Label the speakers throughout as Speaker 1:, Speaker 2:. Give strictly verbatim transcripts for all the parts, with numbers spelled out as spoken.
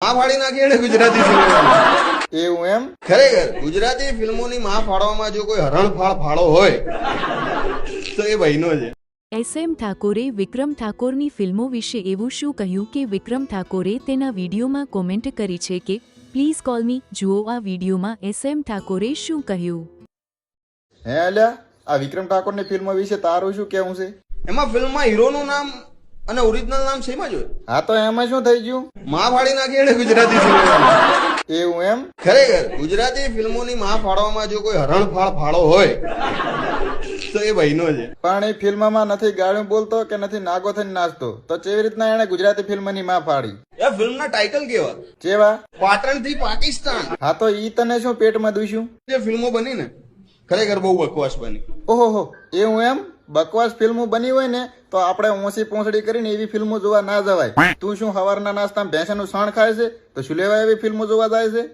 Speaker 1: માં ફાડી નાખી એને ગુજરાતી ફિલ્મો
Speaker 2: એવું એમ?
Speaker 1: ખરેખર ગુજરાતી ફિલ્મોની માં ફાડવામાં જો કોઈ હરણફાળ ફાળો હોય તો એ ભાઈનો છે.
Speaker 3: એસ એમ ઠાકોરે વિક્રમ ઠાકોરની ફિલ્મો વિશે એવું શું કહ્યું કે વિક્રમ ઠાકોરે તેના વિડીયોમાં કોમેન્ટ કરી છે કે પ્લીઝ કોલ મી. જુઓ આ વિડીયોમાં એસ એમ ઠાકોરે શું કહ્યું.
Speaker 2: હે અલ્યા, આ વિક્રમ ઠાકોરની ફિલ્મ વિશે તારું શું કેવું છે?
Speaker 1: એમાં ફિલ્મમાં હીરોનું નામ અને ઓરિજિનલ નામ સેમ જ હોય.
Speaker 2: હા તો એમાં શું થઈ ગયું?
Speaker 1: માં ફાડી નાખી એને ગુજરાતી ફિલ્મો
Speaker 2: એવું એમ?
Speaker 1: ખરેખર ગુજરાતી ફિલ્મોની માં ફાડવામાં જો કોઈ હરણફાળ ફાળો હોય તો એ ભાઈનો છે.
Speaker 2: પણ એ ફિલ્મમાં નથી ગાળું બોલતો કે નથી નાગો થઈને નાચતો, તો કેવી રીતના એને ગુજરાતી ફિલ્મની માં ફાડી?
Speaker 1: એ ફિલ્મના ટાઇટલ કેવા?
Speaker 2: કેવા?
Speaker 1: પાટણ થી પાકિસ્તાન.
Speaker 2: હા તો ઈ તને શું પેટમાં દુશ્યું?
Speaker 1: જે ફિલ્મો બની ને ખરેખર બહુ બકવાસ બની.
Speaker 2: ઓહો, એવું એમ? બકવાસ ફિલ્મો બની હોય ને તો આપણે ઓછી પોંસડી કરીને એવી ફિલ્મો જોવા ના જવાય. તું શું સવારના નાસ્તામાં ભેંસાનું સણ ખાય છે તો શું લેવા એવી ફિલ્મો જોવા જાય છે?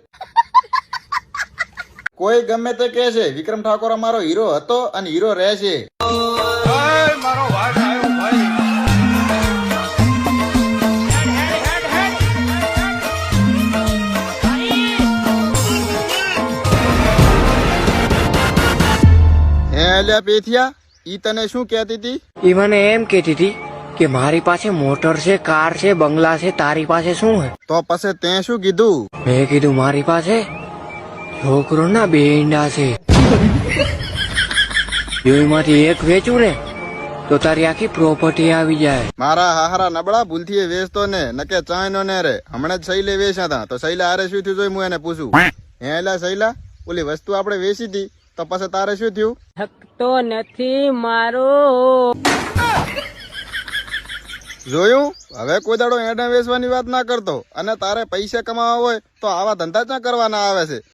Speaker 2: કોઈ ગમે તે કહે છે વિક્રમ ઠાકોર અમારો હીરો હતો અને હીરો રહેશે. હે અલ્યા પેથિયા, ઈ તને શું કહેતી હતી?
Speaker 4: ઈ મને એમ કહેતી હતી કે મારી પાસે મોટર છે, કાર છે, બંગલા છે, તારી પાસે શું હે?
Speaker 2: તો પછી તે શું કીધું?
Speaker 4: મેં કીધું મારી પાસે છોકરો ના બે ઈંડા છે, બેમાંથી એક વેચું ને તો તારી આખી પ્રોપર્ટી આવી જાય.
Speaker 2: મારા હાહરા નબળા ભૂલથી એ વેચતો ને નકે ચાય નો ને રે. હમણાં જ શૈલે વેચ્યા હતા તો શૈલા હારે શું થયું જોઈ હું એને પૂછું. હે એલા શૈલા, ઓલી વસ્તુ આપણે વેચી હતી તો પછી તારે શું થયું?
Speaker 5: થકતો નથી મારો.
Speaker 2: જોયું? હવે કોઈ દાડો એડા વેચવાની વાત ના કરતો. અને તારે પૈસા કમાવા હોય તો આવા ધંધા ક્યાં કરવાના આવે છે?